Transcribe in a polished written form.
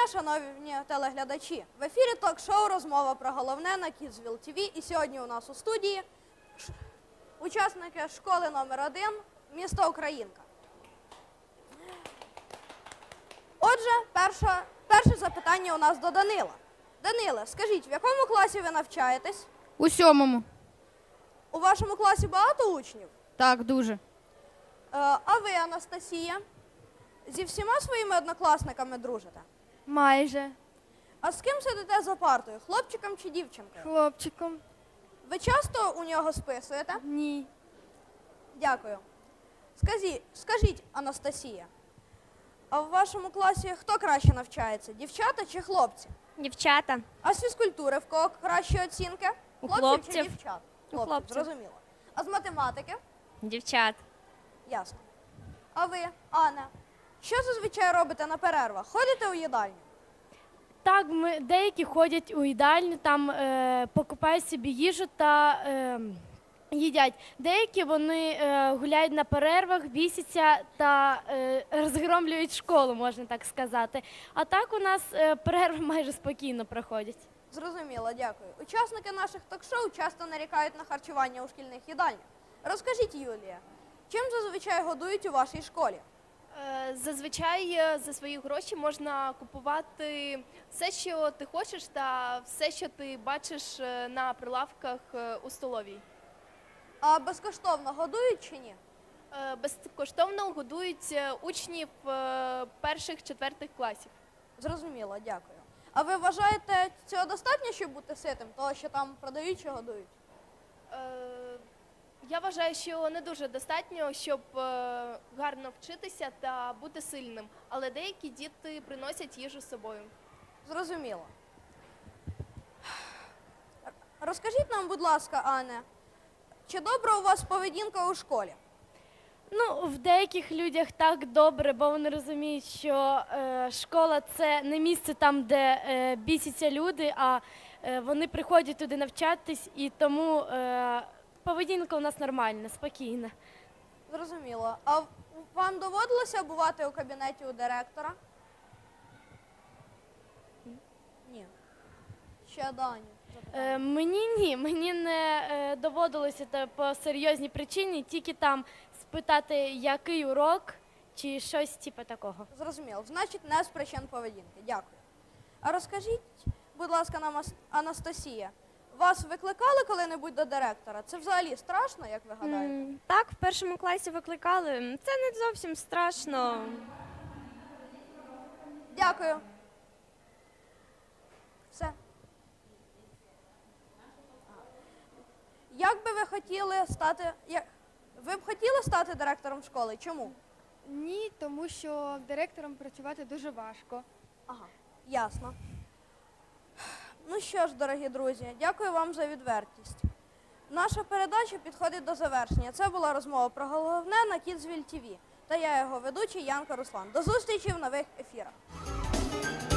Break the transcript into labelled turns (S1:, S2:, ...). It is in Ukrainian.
S1: дня, шановні телеглядачі! В ефірі ток-шоу «Розмова про головне» на Kidsville TV. І сьогодні у нас у студії учасники школи номер 1 міста Українка. Отже, перше запитання у нас до Данила. Даниле, скажіть, в якому класі ви навчаєтесь?
S2: У 7-му.
S1: У вашому класі багато учнів?
S2: Так, дуже.
S1: А ви, Анастасія, зі всіма своїми однокласниками дружите?
S3: Майже.
S1: А з ким сидите за партою, хлопчиком чи дівчинкою?
S3: Хлопчиком.
S1: Ви часто у нього списуєте?
S3: Ні.
S1: Дякую. Скажіть, Анастасія, а в вашому класі хто краще навчається, дівчата чи хлопці?
S4: Дівчата.
S1: А з фізкультури в кого кращі оцінки?
S4: У
S1: Хлопців чи
S4: хлопців.
S1: дівчат?
S4: У хлопців.
S1: Зрозуміло. А з математики?
S4: Дівчат.
S1: Ясно. А ви, Анна, що зазвичай робите на перервах? Ходите у їдальню?
S3: Так, деякі ходять у їдальню, там покупають собі їжу та їдять. Деякі вони гуляють на перервах, бісяться та розгромлюють школу, можна так сказати. А так у нас перерви майже спокійно проходять.
S1: Зрозуміло, дякую. Учасники наших ток-шоу часто нарікають на харчування у шкільних їдальнях. Розкажіть, Юлія, чим зазвичай годують у вашій школі?
S5: Зазвичай за свої гроші можна купувати все, що ти хочеш, та все, що ти бачиш на прилавках у столовій.
S1: А безкоштовно годують чи ні?
S5: Безкоштовно годують учнів перших-четвертих класів.
S1: Зрозуміло, дякую. А ви вважаєте, цього достатньо, щоб бути ситим, того, що там продають чи годують?
S5: Я вважаю, що не дуже достатньо, щоб гарно вчитися та бути сильним, але деякі діти приносять їжу з собою.
S1: Зрозуміло. Розкажіть нам, будь ласка, Анне, чи добра у вас поведінка у школі?
S3: Ну, в деяких людях так добре, бо вони розуміють, що школа – це не місце там, де бісяться люди, а вони приходять туди навчатись, і тому поведінка у нас нормальна, спокійна.
S1: Зрозуміло. А вам доводилося бувати у кабінеті у директора? Ні. Ще Дані.
S3: Мені ні, мені не доводилося по серйозній причині, тільки там спитати, який урок чи щось типу такого.
S1: Зрозуміло. Значить, не з причин поведінки. Дякую. А розкажіть, будь ласка, нам, Анастасія, вас викликали коли-небудь до директора? Це взагалі страшно, як ви гадаєте?
S4: Так, в першому класі викликали. Це не зовсім страшно.
S1: Дякую. Все. Як би ви хотіли стати... Ви б хотіли стати директором школи? Чому?
S6: Ні, тому що директором працювати дуже важко.
S1: Ага, ясно. Ну що ж, дорогі друзі, дякую вам за відвертість. Наша передача підходить до завершення. Це була розмова про головне на Kidsville TV. Та я його ведучий Янка Руслан. До зустрічі в нових ефірах.